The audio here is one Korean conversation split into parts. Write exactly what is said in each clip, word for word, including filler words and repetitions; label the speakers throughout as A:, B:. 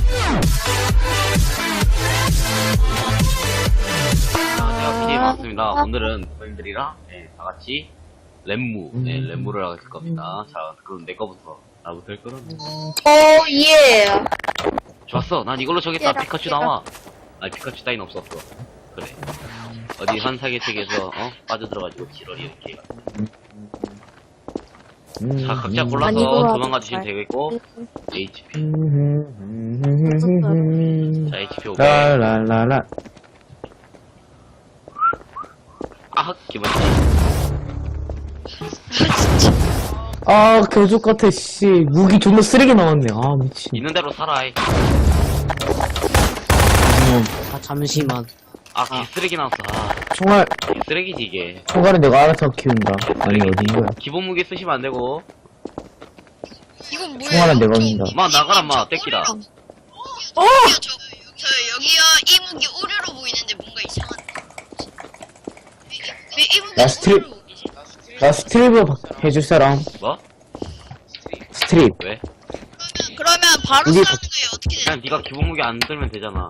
A: 안녕하세요, 피디 반갑습니다. 오늘은 고객님들이랑 네, 다같이 렘무, 네, 렘무를 할 겁니다. 자, 그럼 내 거부터. 나부터 할 거는?
B: 어, 예.
A: 좋았어. 난 이걸로 정했다. 피카츄 나와. 아니, 피카츄 따윈 없었어. 그래. 어디 한 사계책에서, 어? 빠져들어가지고 지랄이 이렇게. 자, 각자 골라서 도망가 주시면 되겠고, 에이치피. 자, 에이치피 오백.
C: 라라라라.
A: 아, 기분.
C: 아, 개족 같아, 씨. 무기 존나 쓰레기 나왔네. 아, 미친.
A: 있는 대로 살아. 이.
D: 아 잠시만.
A: 아, 개쓰레기 나왔어. 아,
C: 총알,
A: 개쓰레기지, 이게.
C: 총알은 내가 알아서 키운다. 아니, 어디 거야.
A: 기본 무기 쓰시면 안 되고.
B: 이건 뭐예요?
C: 총알은 내가 온다.
A: 마, 나가라, 마. 떼끼라.
B: 어! 저, 저, 여기요, 이 무기 오류로 보이는데 뭔가 이상한데. 왜 이 무기
C: 나 스트립-
B: 오류로 보이지?
C: 나 스트립을 해줄 사람.
A: 뭐?
C: 스트립.
A: 왜?
B: 그러면 바로
C: 이게
B: 싸우는 거예요, 어떻게 되죠?
A: 그냥 네가 기본 무기 안 들면 되잖아.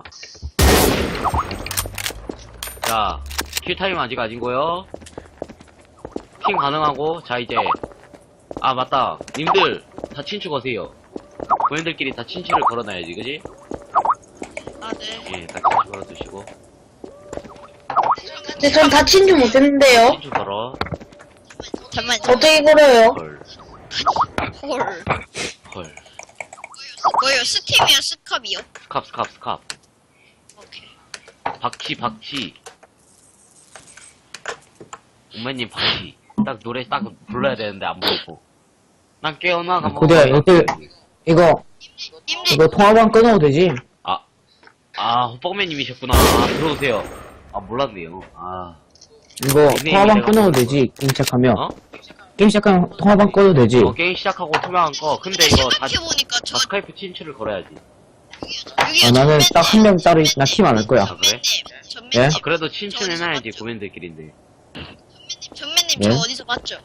A: 자, 킬타임 아직 아닌 거요. 핑 가능하고, 자, 이제. 아, 맞다. 님들, 다 친추 거세요. 고인들끼리 다 친추를 걸어놔야지, 그지?
B: 아, 네.
A: 예, 다 친추 걸어두시고.
E: 근데 전 다친 줄 못했는데요.
A: 친추 걸어.
B: 잠깐만,
E: 어떻게 걸어요?
A: 헐.
B: 헐.
A: 헐.
B: 뭐예요, 스팀이요, 스캅이요?
A: 스캅, 스캅, 스캅.
B: 오케이.
A: 박치, 박치. 엄마님, 박치. 딱 노래 딱 불러야 되는데 안 부르고. 난 깨어나, 가만.
C: 고대야, 이거, 이거,
B: 님들,
C: 이거 통화방 끊어도 되지?
A: 아, 아, 호빵맨님이셨구나. 아, 들어오세요. 아, 몰랐네요. 아,
C: 이거
A: 닉네임이
C: 통화방
A: 내가
C: 끊어도
A: 그거.
C: 되지? 게임 시작하면.
A: 어?
C: 게임 시작하면 통화방 끊어도 되지?
A: 어, 게임 시작하고 투명한 거. 근데
B: 근데
A: 이거 다,
B: 생각해보니까 저,
A: 다 스카이프 친추를 걸어야지.
B: 여기요,
C: 아, 나는 딱 한 명 따로, 나 팀 안 할 거야.
A: 아, 그래?
B: 전매님, 전매님,
C: 예?
A: 아, 그래도 친추는 해놔야지, 고민들끼리인데.
B: 전매님,
C: 예?
B: 저 어디서 봤죠?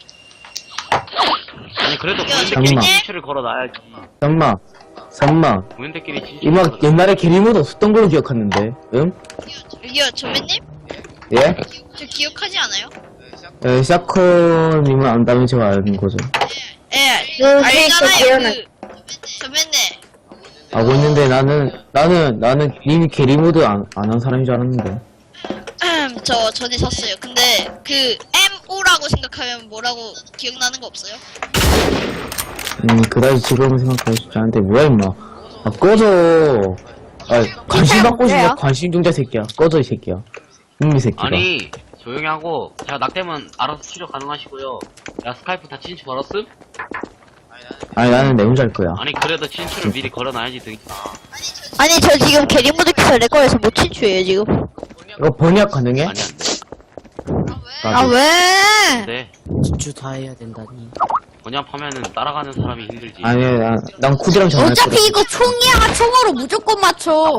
A: 아니, 그래도
B: 야,
A: 고민들끼리
C: 잠깐만.
A: 친추를 걸어놔야지.
C: 잠마, 잠마.
A: 고민들끼리 친추.
C: 이막 옛날에 게리모드 없었던 걸로 기억하는데. 응?
B: 여기요, 전매님?
C: 예?
B: 저 기억하지 않아요?
C: 예, 샤커님은 안다면 제가 아는 거죠.
B: 예,
E: 그
B: 알잖아요,
E: 기억나.
B: 그, 전매님.
C: 알고 있는데 나는, 나는, 나는 님이 게리모드 안, 안 한 사람인 줄 알았는데.
B: 저 전에 샀어요. 근데 그 엠오라고 생각하면 뭐라고 기억나는 거 없어요?
C: 음, 그다지 지금은 생각하고 싶지 않은데, 뭐야, 임마. 아, 꺼져. 아, 관심 받고 싶냐, 관심 종자 새끼야. 꺼져, 이 새끼야. 이놈이 새끼가.
A: 아니, 조용히 하고, 제가 낙되면 알아서 치료 가능하시고요. 야, 스카이프 다 친추 걸었음?
C: 아니, 나는 내 혼자 할 거야.
A: 아니, 그래도 친추를 미리 걸어놔야지, 등.
B: 아니 저 지금 게리모드 키서 내 거에서 못 친추해요 지금.
C: 이거 번역 가능해?
A: 아니, 안 돼.
B: 아 왜?
A: 근데,
D: 진주 다 해야 된다니.
A: 번역하면은 따라가는 사람이 힘들지.
C: 아니, 난, 난 쿠디랑 전화할 거야.
F: 어차피 이거 총이야. 총으로 무조건 맞춰.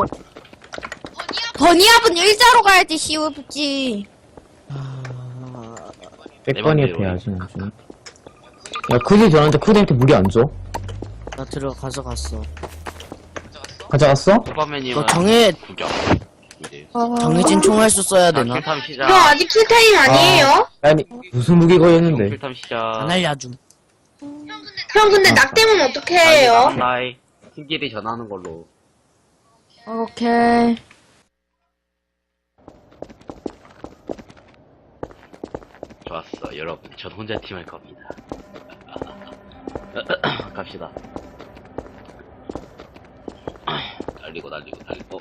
F: 버니압은 일자로 가야지 쉬우지.
D: 아...
C: 백 번이
A: 내
C: 옆에 해야지, 나중에. 야, 쿠디 전화한테 쿠디한테 무리 안 줘?
D: 나 들어가서 갔어.
C: 가져갔어?
A: 호빵맨님은
D: 너 정해
A: 구경. 이제.
D: 정해진 총알 수 써야
A: 자,
D: 되나?
A: 킬탐 시작.
E: 저 아직 킬타임 아니에요?
C: 아니, 무슨 무기 거였는데?
A: 킬탐 시작.
D: 안 알려줌.
E: 형, 근데 낙대면 어떻게 해요?
A: 나이 팀끼리 전하는 걸로.
F: 오케이.
A: 좋았어, 여러분. 전 혼자 팀 할 겁니다. 갑시다. 날리고 날리고 날리고.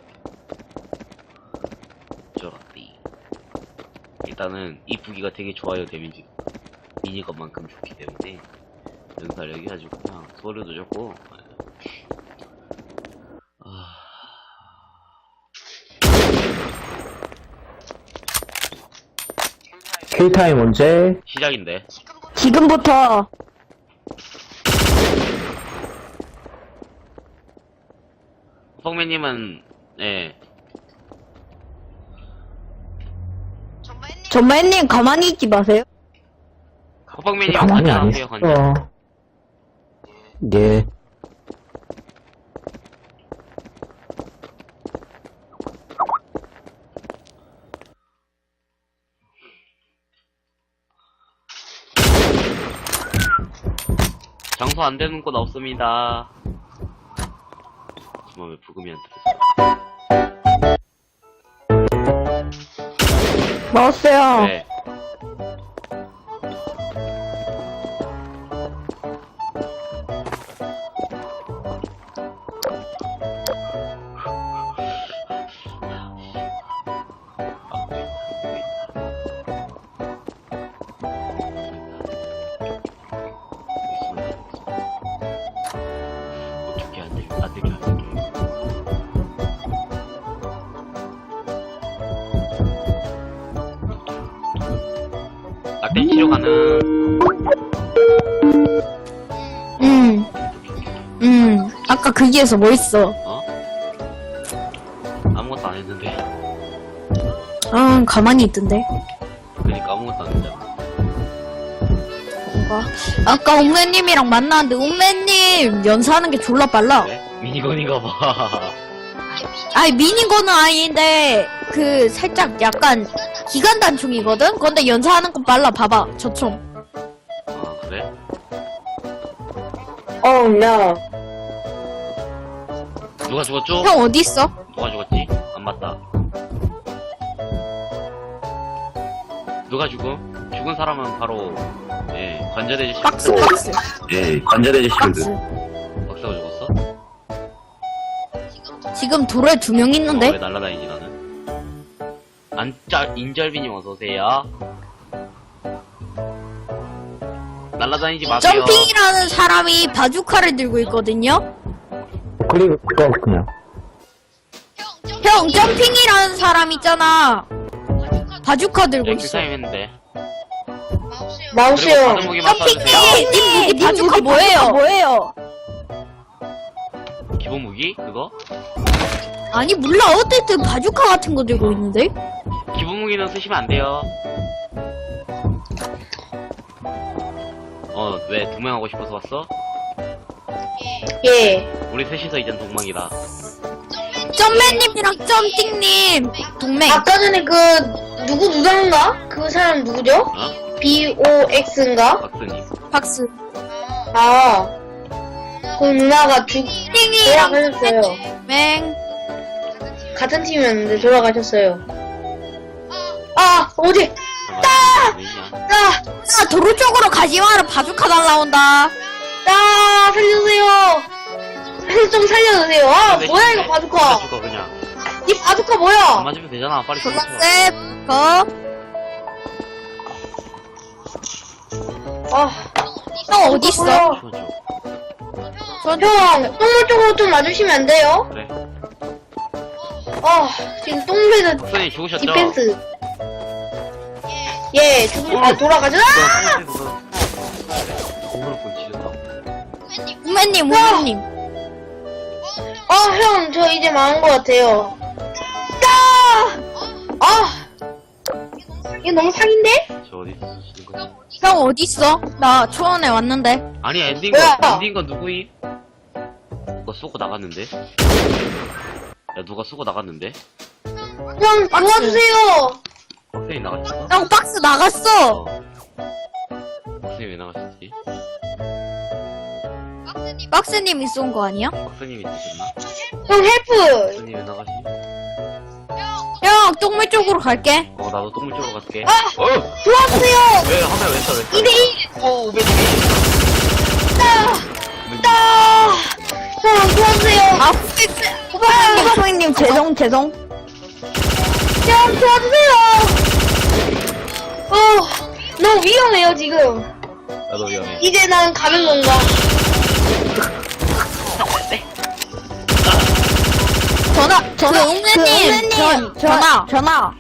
A: 쫄았디. 일단은 이 부기가 되게 좋아요, 데미지. 미니건만큼 좋기 때문에 연사력이 아주 그냥 소리도 좋고. 아...
C: 킬타임 언제?
A: 시작인데.
F: 지금부터.
A: 성매님은 예.
F: 전마님 가만히 있지 마세요.
A: 호빵맨님
C: 가만히 안
A: 관전하세요,
C: 있어.
A: 관전. 네.
C: 예.
A: 용서 안 되는 곳 없습니다. 정말 왜 부금이 안 들어?
F: 먹었어요.
A: 네. 어떻게 안 돼? 안 되게 안 되게. 낙된 치료 가능.
F: 음. 음. 아까 거기에서 뭐 있어?
A: 어? 아무것도 안 했는데.
F: 아, 가만히 있던데.
A: 그니까 아무것도 안 했잖아.
F: 뭔가. 아까 옥매님이랑 만났는데, 옥매님 연사하는 게 졸라 빨라.
A: 그래? 미니건인가 봐.
F: 아니, 미니건은 아닌데, 그, 살짝 약간, 기관 단총이거든? 근데 연사하는 건 빨라. 봐봐, 저 총.
A: 아 그래?
E: Oh no.
A: 누가 죽었죠?
F: 형 어딨어?
A: 누가 죽었지? 안 맞다. 누가 죽음? 죽은 사람은 바로 예 관절해지 실드.
F: 박스, 박스.
A: 예 관절해지
F: 박스.
A: 박사가 죽었어?
F: 지금 돌에 두 명
A: 어, 왜
F: 있는데?
A: 날라다니지 나는? 안짜 인절비님 어서 오세요. 날라다니지 마세요.
F: 점핑이라는 사람이 바주카를 들고 있거든요?
C: 그리고 그거 그냥.
F: 형, 점핑이라는 사람 있잖아. 바주카 들고
A: 네,
F: 있어.
A: 킬타임 했는데. 그리고
E: 마우스요.
A: 받은 무기만 쏴주세요.
F: 점핑님! 님 무기 바주카 뭐예요? 뭐예요?
A: 기본 무기? 그거?
F: 아니, 몰라. 어쨌든 바주카 같은 거 들고 있는데?
A: 기본 무기는 쓰시면 안 돼요. 어, 왜 두 명 하고 싶어서 왔어?
E: 예.
A: 우리 셋이서 이젠 동망이다.
F: 점맨님이랑 점띵님 동맹.
E: 아까 전에 그, 누구 누나인가? 그 사람 누구죠?
A: 어?
E: 비 오 엑스인가?
A: 박스님.
F: 박스.
E: 아. 그 누나가 죽,
F: 띵이랑
E: 돌아가셨어요.
F: 맹.
E: 같은 팀이었는데 돌아가셨어요. 아, 어디?
A: 아!
E: 아!
F: 아, 도로 쪽으로 가지 마라. 바주카 날라온다.
E: 아, 살려주세요. 좀 살려주세요. 아, 뭐야, 이거 바주카.
A: 죽어, 그냥.
E: 이 바주카
A: 안
E: 뭐야?
A: 맞으면 되잖아. 빨리 죽어.
F: 졸라셉. 거.
E: 아,
F: 형 어딨어?
E: 뭐야?
F: 전
E: 형, 똥물 쪽으로 좀 와주시면 안 돼요?
A: 그래.
E: 아, 지금 똥물에서
A: 박스님 죽으셨죠?
E: 디펜스. 예, 죽을, 아, 돌아가죠? 아!
A: 공으로 본 지렸다.
F: 우매님, 우매님.
E: 아, 형, 저 이제 망한 것 같아요. 아! 아! 이거 너무 사기인데?
A: 저 어디 있으시는 거지?
F: 형 어딨어? 나 초원에 왔는데.
A: 아니, 엔딩
E: 뭐야?
A: 건, 엔딩 건 누구임? 누가 쏘고 나갔는데? 야, 누가 쏘고 나갔는데?
E: 형, 도와주세요!
A: 박스님 나가셨어?
F: 형 박스 나갔어.
A: 어. 박스님 왜 나가셨지?
F: 박스님이 쏜 거 아니야?
A: 박스님이 드셨나?
E: 형, 헬프!
A: 박스님 왜 나가시니?
F: 형 똥물 쪽으로 갈게.
A: 어, 나도 똥물 쪽으로 갈게.
E: 아!
A: 어!
E: 도와주세요!
A: 왜, 화면 왜 써, 왜 써?
E: 이 대일!
A: 어, 우베님.
E: 아! 형, 도와주세요!
F: 아, 후배님, 후배님 죄송 죄송.
E: 형, 도와주세요! 어, 너무 위험해요, 지금.
A: 나도 위험해.
E: 이제 난 가는 건가?
F: 전화 전화 웅매님 전 전화 전화.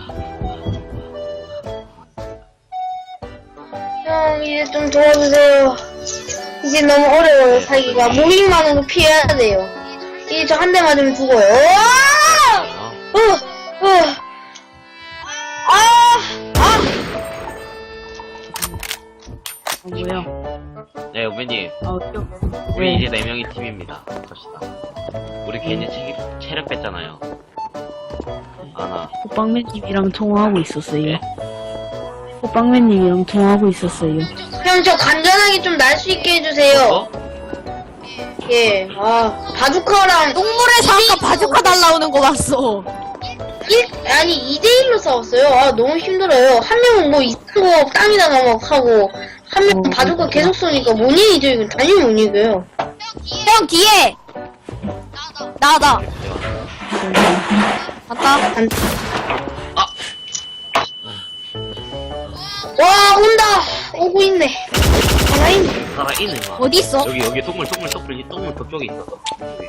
E: 형, 이제 좀 도와주세요. 이제 너무 어려워요, 살기가. 무빙만으로 피해야 돼요. 이제 저 한 대 맞으면 죽어요. 으아!
A: 어?
E: 으, 으. 아! 아!
D: 뭐야?
A: 네, 우베님.
D: 아, 어쩌
A: 우리 이제 네 명이 팀입니다. 갑시다. 우리 괜히 체력, 체력 뺐잖아요. 아나.
D: 호빵맨님이랑 통화하고 있었어요.
A: 예?
G: 호빵맨님이랑 통화하고 있었어요.
E: 형, 저 간단하게 좀 날 수 있게 해주세요.
A: 어?
E: 예, 아, 바주카랑
F: 똥물에서 아까 바주카 날라오는 거 봤어.
E: 일, 아니, 이 대일로 싸웠어요. 아, 너무 힘들어요. 한 명은 뭐 이상한 거 땀이다가 막 하고, 한 명은
G: 어,
E: 바주카 계속 쏘니까 못 이기죠, 이건. 당연히 못 이겨요.
F: 형 뒤에. 나다. 맞다.
E: 안...
A: 아!
E: 와, 온다! 오고 있네. 하나 있네.
A: 살아있네, 막.
F: 어디 있어?
A: 여기, 여기 동물, 동물, 동물, 이 동물 그쪽에 있어.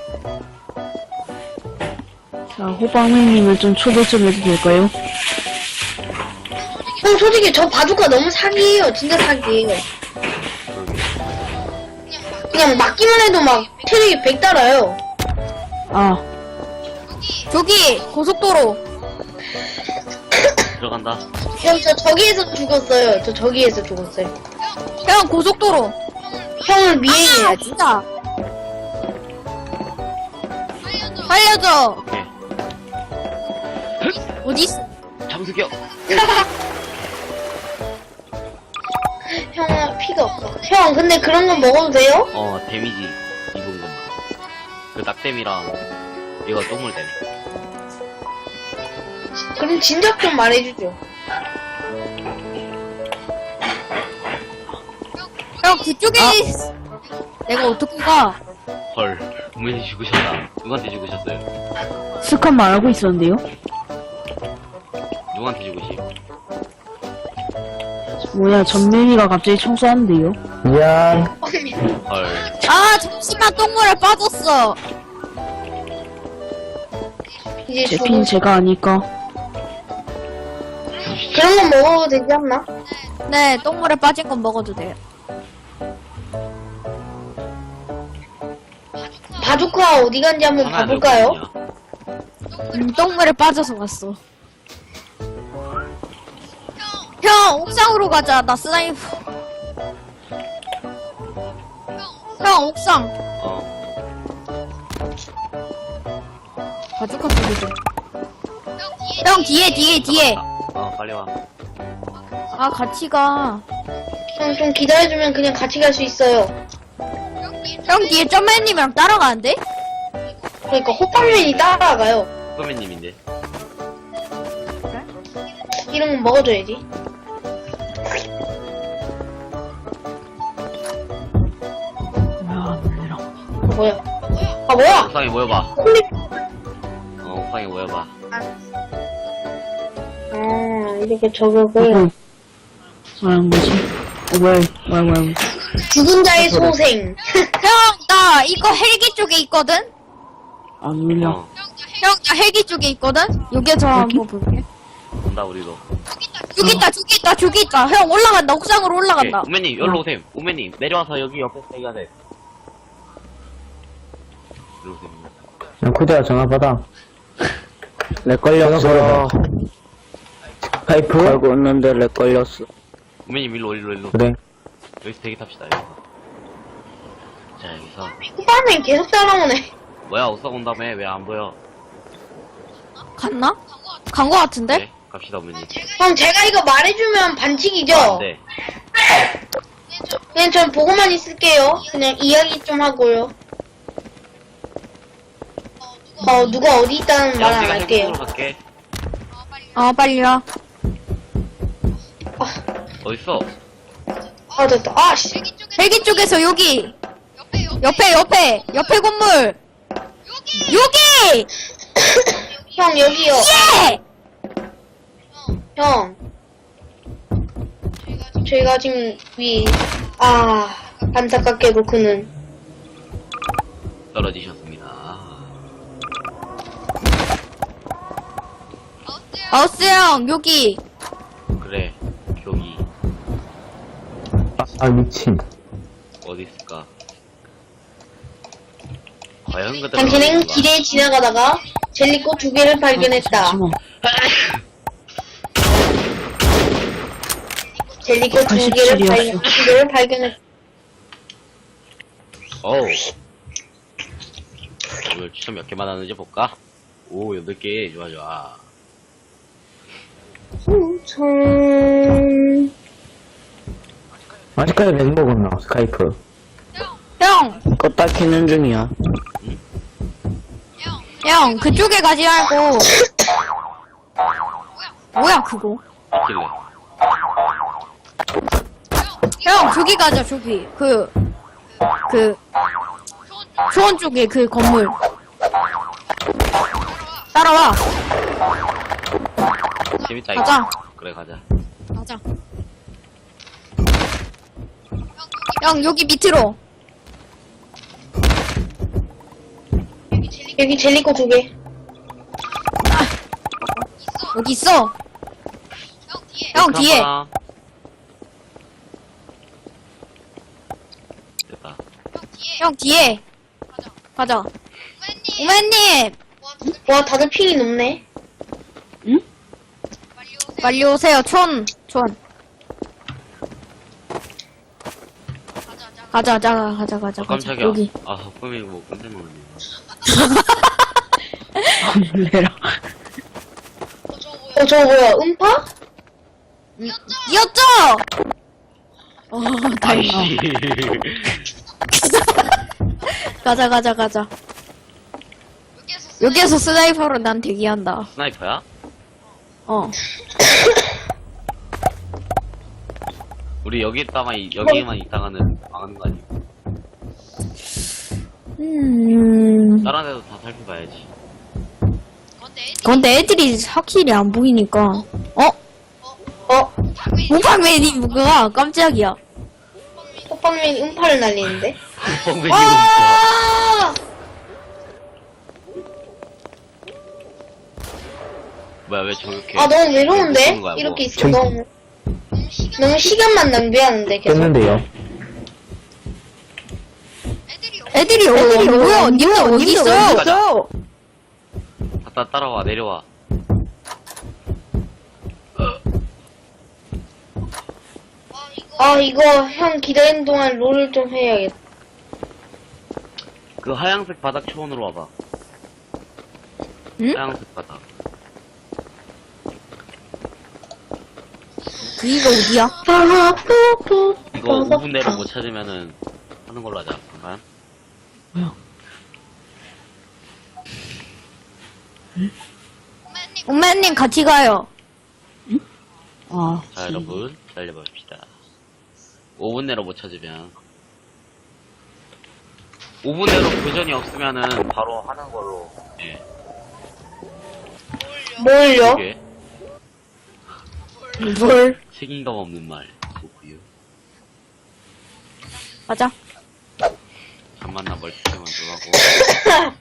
G: 자, 호빵맨님을 좀 초대 좀 해도 될까요?
E: 형, 솔직히 저 바주카 너무 사기예요. 진짜 사기예요. 그냥 맞기만 해도 막 체력이 백 달아요.
G: 아,
F: 저기 고속도로.
A: 들어간다.
E: 형, 저 저기에서 죽었어요. 저 저기에서 죽었어요.
F: 형 고속도로.
E: 형을
F: 아
E: 미행해야지.
F: 진짜. 살려줘.
A: 오케이.
F: 어디 있어?
A: 잠수겨!
E: 형은 피가 없어. 형, 근데 그런 거 먹어도 돼요?
A: 어, 데미지 입은 것만. 그 낙댐이랑 이거 똥물 데미.
E: 그럼 진작 좀 말해주죠.
F: 형 그쪽에 있- 내가 어떻게 가?
A: 헐, 우면이 죽으셨다. 누구한테 죽으셨어요?
G: 스컷 말하고 있었는데요?
A: 누구한테 죽으시?
G: 뭐야, 전면이가 갑자기 청소하는데요?
C: 미안.
A: 헐,
F: 아 잠시만 똥물에 빠졌어.
E: 이제
G: 제
E: 죽어.
G: 핀 제가 아니까.
E: 그런 거 먹어도 되지 않나?
F: 네 똥물에 빠진 건 먹어도 돼요.
E: 바주카 어디 간지 한번
A: 하나야,
E: 봐볼까요?
A: 몇 분이냐?
F: 음, 똥물에 빠져서 왔어. 형 옥상으로 가자. 나 스나이퍼. 형 옥상.
A: 어,
F: 바주카 소리 좀. 형 뒤에 뒤에 뒤에.
A: 어, 빨리 와.
F: 아 같이 가.
E: 형, 좀 기다려주면 그냥 같이 갈 수 있어요.
F: 형 뒤에 점맨님이랑 따라가는데?
E: 그러니까 호빵맨이 따라가요.
A: 후배님인데.
E: 이런 건 먹어줘야지.
G: 야, 놀래라.
E: 어, 뭐야? 아, 뭐야?
A: 옥상에 모여봐.
E: 홀리.
A: 어, 옥상에 모여봐.
E: 아, 이렇게 저격을.
G: 어, 말한 거지? 어, 뭐야, 뭐야, 뭐야.
E: 죽은 자의 소생.
F: 형 나 이거 헬기 쪽에 있거든?
G: 안 울려.
A: 어,
F: 형 나 헬기 쪽에 있거든? 여기서 한번 볼게.
A: 온다, 우리도.
F: 저기 있다 저기 있다 저기 있다. 형 올라간다 옥상으로
A: 오케이,
F: 올라간다.
A: 우매님, 여기로 오셈. 우매님, 내려와서 여기 옆에 대기가 돼. 이리 오셈.
C: 야, 쿠드야, 전화 받아. 렉 걸렸어. 파이프?
D: 알고 있는데 렉 걸렸어.
A: 우매님, 일로, 일로, 일로.
C: 그래.
A: 여기서 대기 탑시다, 여기서. 자, 여기서.
E: 호빵맨 계속 따라오네.
A: 뭐야, 옥상 온 다음에 왜 안 보여?
F: 갔나? 간 거 같은데?
A: 네, 갑시다, 우매님.
E: 형, 제가 이거 말해주면 반칙이죠?
A: 아, 네.
E: 그냥 전 보고만 있을게요. 그냥 이야기 좀 하고요. 어, 누가 어디 있다는 말
A: 야,
E: 안
A: 내가
E: 할게요.
A: 헬기으로 갈게.
F: 어 빨리 와.
A: 어딨어?
E: 아, 됐다. 아, 씨.
F: 헬기 쪽에서 여기. 옆에 옆에 옆에 건물. 여기.
E: 형, 여기요.
F: 예.
E: 형. 제가 지금 위, 아, 안타깝게도 그는.
A: 떨어지셨습니다.
F: 마우스 형 여기.
A: 그래, 여기.
C: 아, 미친.
A: 어디 있을까? 과연 그대로.
E: 당신은 길에 지나가다가 젤리꽃 두 개를 발견했다.
G: 잠시만.
E: 젤리꽃 두 개를
G: 팔십칠이었어.
E: 발견, 두 개를 발견했다.
A: 어우. 오늘 추천 몇 개만 하는지 볼까? 오, 여덟 개. 좋아, 좋아.
E: 음, 총,
C: 아직까지 렉 먹었나, 스카이프.
F: 형!
D: 껐다 켜는 중이야.
F: 형, 그쪽에 가지 말고. 뭐야, 그거?
A: 있길래.
F: 형, 저기 가자, 저기. 그, 그, 초원 쪽에 그 건물. 따라와.
A: 재밌다, 이거.
F: 가자.
A: 그래, 가자.
F: 가자. 형, 여기 밑으로.
E: 여기 젤리코 두 개.
F: 여기 있어. 형, 뒤에.
A: 하나. 됐다.
F: 형, 뒤에. 가자. 오맨님!
E: 와, 다들 핑이 높네.
F: 빨리 오세요, 촌. 촌. 가자, 가자, 가자, 가자.
A: 아, 깜짝이야.
F: 여기.
A: 아, 꿈이 뭐, 깜짝 놀랐네.
D: 놀래라.
E: 어, 저거 뭐야, 음파?
F: 이었죠? 어, 다행이다.
A: 아이씨.
F: 가자, 가자, 가자. 여기에서 스나이퍼로 난 대기한다.
A: 스나이퍼야?
F: 어.
A: 우리 여기 있다가, 이- 여기만 있다가는 망하는 거 아니야?
F: 음.
A: 다른 데도 다 살펴봐야지.
F: 근데 애들이 확실히 안 보이니까. 어?
E: 어,
F: 모방맨이 뭐가 깜짝이야.
E: 호빵맨이 음파를 날리는데?
A: 뻥배기
E: 아!
A: 뭐야, 왜 저렇게.
E: 아, 너무 외로운데?
A: 무서운 거야, 뭐.
E: 이렇게 있어,
C: 전-
E: 너무. 너무 시간만 낭비하는데, 계속.
C: 깼는데요.
F: 애들이 어디 뭐야? 님들 어디 있어요?
A: 가자. 갔다 따라와, 내려와.
E: 아, 이거 형 기다리는 동안 롤을 좀 해야겠다.
A: 그 하얀색 바닥 초원으로 와봐.
F: 응?
A: 하얀색 바닥.
F: 그이가 어디야?
E: 아, 푸푸.
A: 이거 오 분 내로 못 찾으면은 하는 걸로 하자. 잠깐.
F: 엄마님 같이 가요.
D: 아,
A: 자, 여러분, 기다려봅시다. 오 분 내로 못 찾으면. 오 분 내로 교전이 없으면은 바로 하는 걸로. 예.
E: 뭘요?
A: 이게
F: 뭘?
A: 책임감 없는 말. 좋고요.
F: 가자.
A: 잠만나 멀티만 들어가고.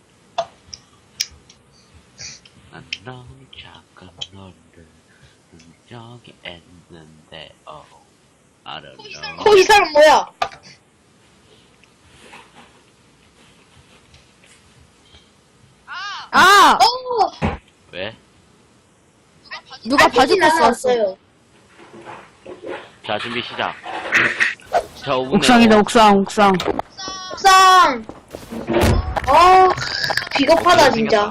A: 난 너무 잠깐 너를 저기 했는데, 어. I don't know.
E: 어, 이 사람 뭐야?
F: 아!
E: 어!
A: 왜?
F: 누가 바지
E: 나
F: 벗어 왔어.
E: 왔어요.
A: 자, 준비 시작. 자, 오 분
G: 옥상이다,
A: 내로.
G: 옥상, 옥상.
E: 옥상! 어, 비겁하다, 진짜.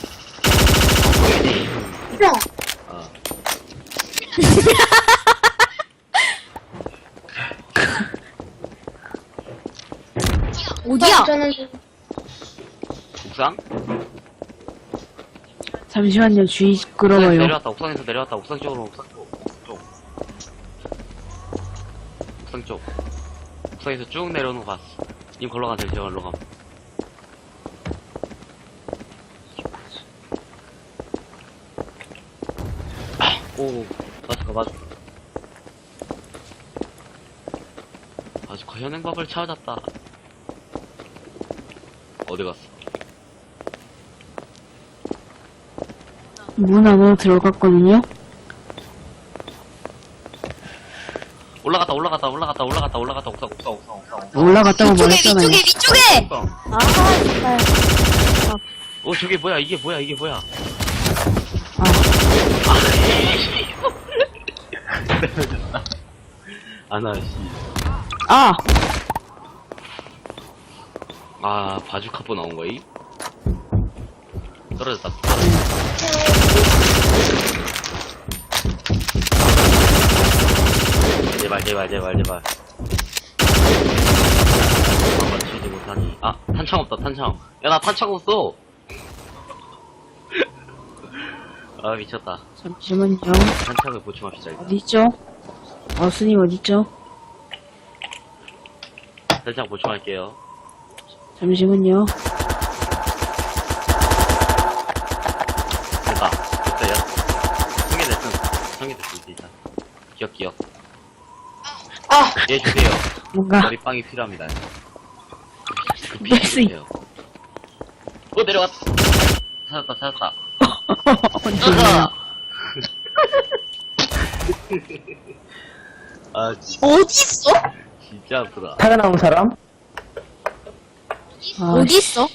E: 형,
A: 어.
F: 어디야?
E: 저는
A: 옥상?
G: 잠시만요, 주의
A: 옥상에서
G: 시끄러워요.
A: 내려왔다, 옥상에서 내려왔다, 옥상 쪽으로, 옥상 쪽. 쪽. 옥상 쪽. 옥상에서 쭉 내려오는 거 봤어. 님 걸러 가세요, 제가 걸러 가. 오, 맞을까, 맞을까. 아주 현행밥을 찾았다. 어디 갔어?
G: 문 안으로 들어갔거든요?
A: 올라갔다, 올라갔다, 올라갔다, 올라갔다, 올라갔다, 옥상, 옥상, 옥상, 옥상. 옥상.
G: 올라갔다고
F: 위쪽에,
G: 말했잖아요.
F: 위쪽에, 위쪽에!
A: 옥상.
F: 아, 정말.
A: 어, 저게 뭐야, 이게 뭐야, 이게 뭐야. 아나, 씨.
G: 아!
A: 아, 바주카포 나온 거임? 떨어졌다. 제발, 제발, 제발, 제발. 한번 치지 못하니. 아, 탄창 없다, 탄창. 야, 나 탄창 없어! 아, 미쳤다.
G: 잠시만요.
A: 탄창을 보충합시다, 일단.
G: 어디있죠? 어스님 어디있죠?
A: 탄창 보충할게요.
G: 잠시만요.
A: 됐다. 됐어요. 성계됐음. 성계됐음, 진짜. 기억, 기억.
E: 아,
A: 얘 주세요.
G: 뭔가
A: 머리빵이 필요합니다.
G: 뺄수 있-
A: 주세요. 어, 내려갔다. 찾았다, 찾았다.
G: 언제냐?
A: 아, 진-
B: 어딨어?
A: 진짜 아프다.
C: 살아남은 사람?
G: 아,
F: 어디 있어?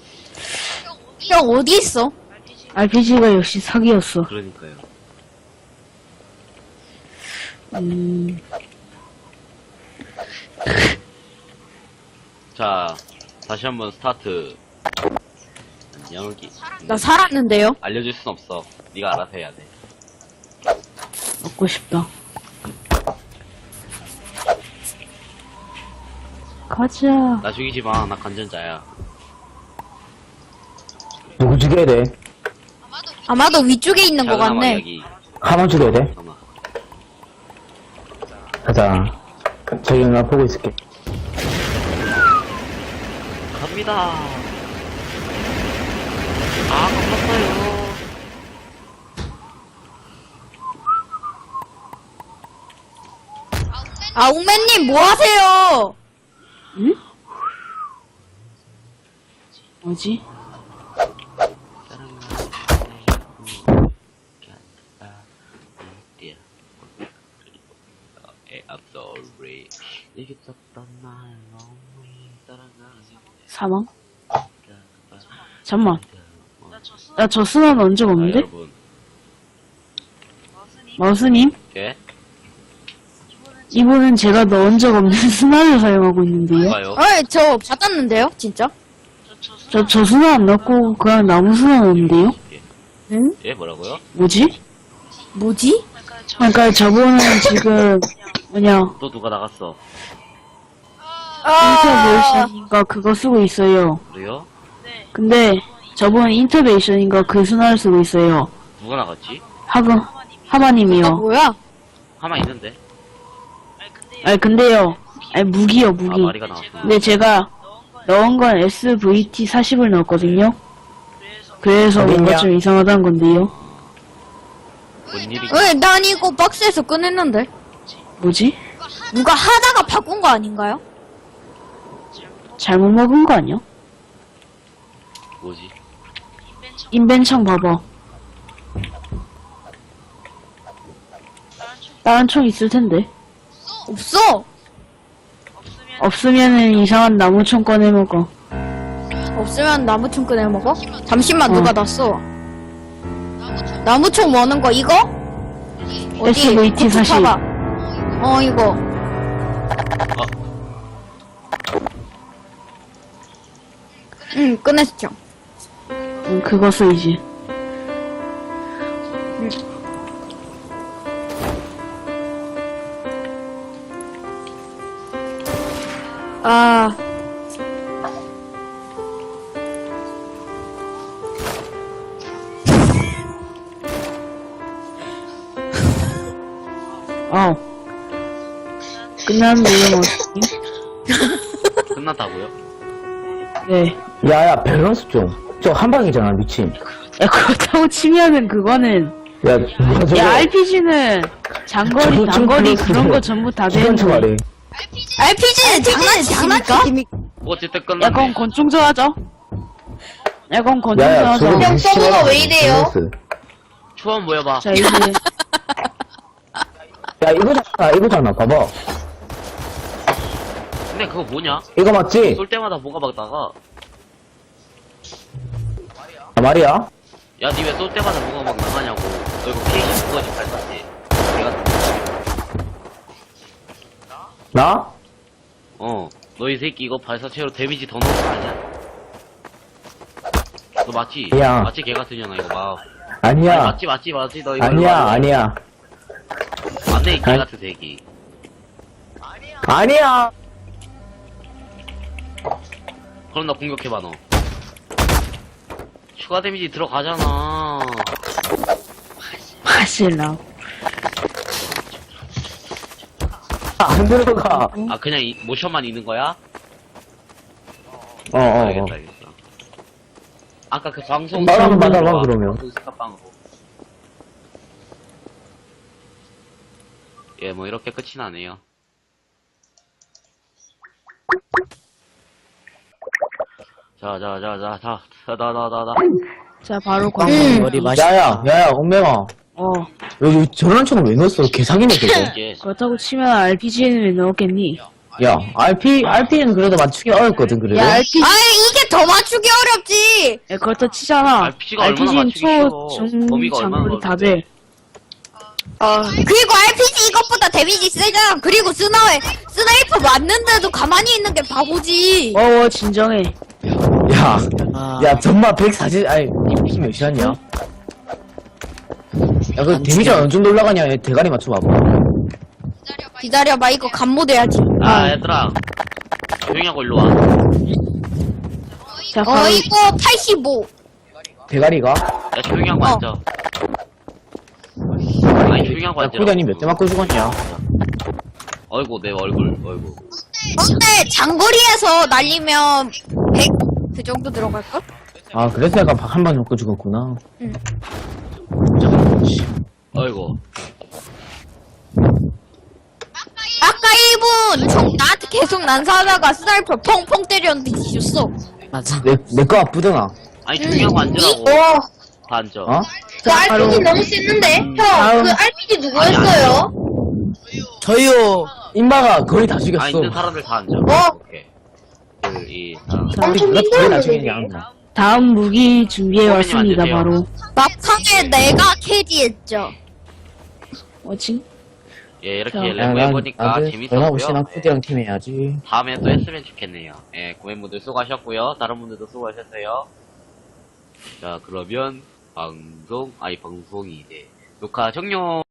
F: 형 어디 있어?
G: 알피지가 역시 사기였어.
A: 그러니까요.
G: 음,
A: 자, 다시 한번 스타트. 여기.
F: 나 살았는데요.
A: 알려줄 순 없어. 네가 알아서 해야 돼.
G: 먹고 싶다. 가자.
A: 나 죽이지 마. 나 간전자야.
C: 누구 죽여야 돼?
F: 아마도 위쪽에 있는 것
A: 작은
F: 같네.
A: 여기.
C: 하만 죽여야 돼?
A: 잠깐만.
C: 가자. 저기 나 보고 있을게.
A: 갑니다. 아, 깜빡어요.
F: 아, 옥맨님 뭐 하세요?
G: 뭐지?
A: I'm sorry. 이게 떴던 날 너무 따라가지.
G: 사망? 잠만. 나 저 스나 넣은 적 없는데?
A: 여러분,
G: 마우스님?
A: 예?
G: 이분은 제가 넣은 적 없는 스나를 사용하고 있는데요?
A: 누가요?
F: 어이, 저 받았는데요, 진짜?
G: 저, 저 스나 안 넣고 그냥 나무 스나 넣었는데요?
F: 응?
A: 예, 뭐라고요?
G: 뭐지?
F: 뭐지?
G: 그러니까 저분은 지금 뭐냐
A: 또 누가 나갔어?
G: 인터베이션인가 그거 쓰고 있어요.
A: 그래요?
G: 근데 저분은 인터베이션인가 그 스나를 쓰고 있어요.
A: 누가 나갔지?
G: 하금
F: 아,
G: 하바님이요.
F: 뭐야?
A: 하나 있는데?
G: 아니 근데요. 아니 무기요
A: 아,
G: 무기.
A: 마리가 나왔어.
G: 근데 제가 넣은 건 에스브이티 사십을 넣었거든요. 그래서 뭔가
C: 어딨냐?
G: 좀 이상하다는 건데요.
A: 뭔 일이?
F: 어이, 난 이거 박스에서 꺼냈는데.
G: 뭐지?
F: 누가 하다가 바꾼 거 아닌가요?
G: 잘못 먹은 거 아니야?
A: 뭐지?
G: 인벤창 봐봐. 다른 총 있을 텐데.
F: 없어!
G: 없으면은 이상한 나무총 꺼내 먹어.
F: 없으면 나무총 꺼내 먹어? 잠시만,
G: 어.
F: 누가 났어? 나무총 뭐는 거, 이거? 어디?
G: 에스브이티
F: 고추
G: 사십.
F: 타봐. 어, 이거. 응, 꺼냈죠.
G: 응, 그거 쓰이지.
F: 아.
G: 어. 끝났는데요, 머스님?
A: 끝났다고요?
G: 네.
C: 야야 밸런스 좀. 저 한방이잖아 미친.
G: 야, 그렇다고 치면은 그거는,
C: 야 누가 저거.
G: 야, 알피지는 장거리,
C: 저거 좀
G: 단거리
C: 밸런스
G: 그런
C: 좀.
G: 거 전부 다
C: 기관
G: 되는데.
C: 총알이.
F: 알피지는 장난치십니까?
A: 어쨌든
G: 야,
A: 끝났네.
G: 그럼 권총전 하자. 야, 그럼 권총전
C: 야야
G: 하자.
C: 저거
E: 형 서버가 왜 이래요?
C: 밸런스.
A: 초원 모여봐.
G: 자, 이제,
C: 야 이거잖아 이거잖아 봐봐.
A: 근데 그거 뭐냐?
C: 이거 맞지?
A: 쏠 때마다 뭐가 막 나가.
C: 아 말이야?
A: 야, 니 왜 쏠 때마다 뭐가 막 나가냐고. 너 이거 피에이치 그거지, 발사지. 내가,
C: 나?
A: 어. 너 이 새끼 이거 발사체로 데미지 더 넣은 거 아니야? 너 맞지?
C: 야.
A: 맞지, 개 같으냐나, 이거 막.
C: 아니야.
A: 아니, 맞지, 맞지, 맞지, 너 이거.
C: 아니야 아니야.
A: 안돼, 이 개
C: 아니.
A: 같은 새끼.
C: 아니야.
A: 그럼 나 공격해봐, 너. 추가 데미지 들어가잖아.
G: 마실라.
C: 안 들어가.
A: 아, 그냥 이, 모션만 있는 거야?
C: 어, 어, 어.
A: 알겠다, 알겠다. 아까 그 방송.
C: 나랑 맞아봐, 그러면.
A: 그 스카빵으로. 예, 뭐 이렇게 끝이 나네요. 자, 자, 자, 자, 자, 자, 나, 나, 나, 나.
G: 자, 바로 광.
F: 음.
D: 머리 맛이.
C: 야야, 야야, 엉맹아.
G: 어.
C: 여기 저런 총을 왜 넣었어? 개사기네, 그거.
A: 이게,
G: 그렇다고 치면 알피지는 왜 넣었겠니?
C: 야, 알피, 알피는 그래도 맞추기 어렵거든, 그래도.
G: 야, 알피,
F: 아이, 이게 더 맞추기 어렵지!
G: 야, 그렇다 치잖아.
A: 알피지가 얼마나
G: 알피지는
A: 맞추기
G: 초,
A: 쉬워.
G: 중,
A: 범위가 얼마나
G: 장거리 다
A: 넓은데.
G: 돼.
F: 그리고 알피지 이것보다 데미지 세잖아. 그리고 스나에, 스나이퍼 맞는데도 가만히 있는 게 바보지.
G: 어, 진정해.
C: 야,
D: 아,
C: 야, 전마 백사십, 아니, 피 몇이었냐? 야, 그 데미지가 어느 정도 올라가냐? 얘 대가리 맞춰봐봐.
F: 기다려봐, 이거 감모돼야지.
A: 아, 얘들아. 조용히 하고 일로 와.
G: 자,
F: 어,
G: 바로,
F: 이거 팔십오.
C: 대가리가?
A: 야, 조용히 하고
F: 어.
A: 앉아. 아니, 조용히 하고
C: 야,
A: 앉아.
C: 코디아님 몇 대 맞고 죽었냐?
A: 어이구, 내 얼굴, 어이구.
F: 근데 장거리에서 날리면 백 그 정도 들어갈걸?
C: 아, 그래서 약간 한 방 맞고 죽었구나.
F: 응.
A: 어이구.
F: 아까 일 분 총 나한테 계속 난사하다가 스나이퍼 펑펑 때렸는데 뒤졌어.
D: 맞아.
C: 내, 내 거 아프더나.
A: 아니, 조용히 하고 앉으라고.
E: 와,
A: 다 앉아.
C: 어?
E: 그 알피지 너무 셌는데? 형,
G: 다음.
E: 그 알피지 누구였어요?
D: 저요.
C: 임마가 거의 다
A: 아,
C: 죽였어.
A: 있는 사람들 다 앉아.
E: 어?
A: 오케이. 둘, 이, 삼.
G: 자,
E: 엄청
C: 내가 거의 다
E: 힘들었는데.
C: 죽였냐?
G: 다음 무기 준비해
A: 호빈님
G: 왔습니다,
A: 앉으세요.
G: 바로.
F: 막판에 내가 캐리했죠.
G: 뭐지?
A: 예, 이렇게
G: 자.
A: 랩 해보니까
C: 전화고
A: 재밌었고요.
C: 씨랑 코디랑 팀 해야지.
A: 다음에 또 했으면 좋겠네요. 예, 고객분들 수고하셨고요. 다른 분들도 수고하셨어요. 자, 그러면 방송, 아니 방송이 이제 녹화 종료.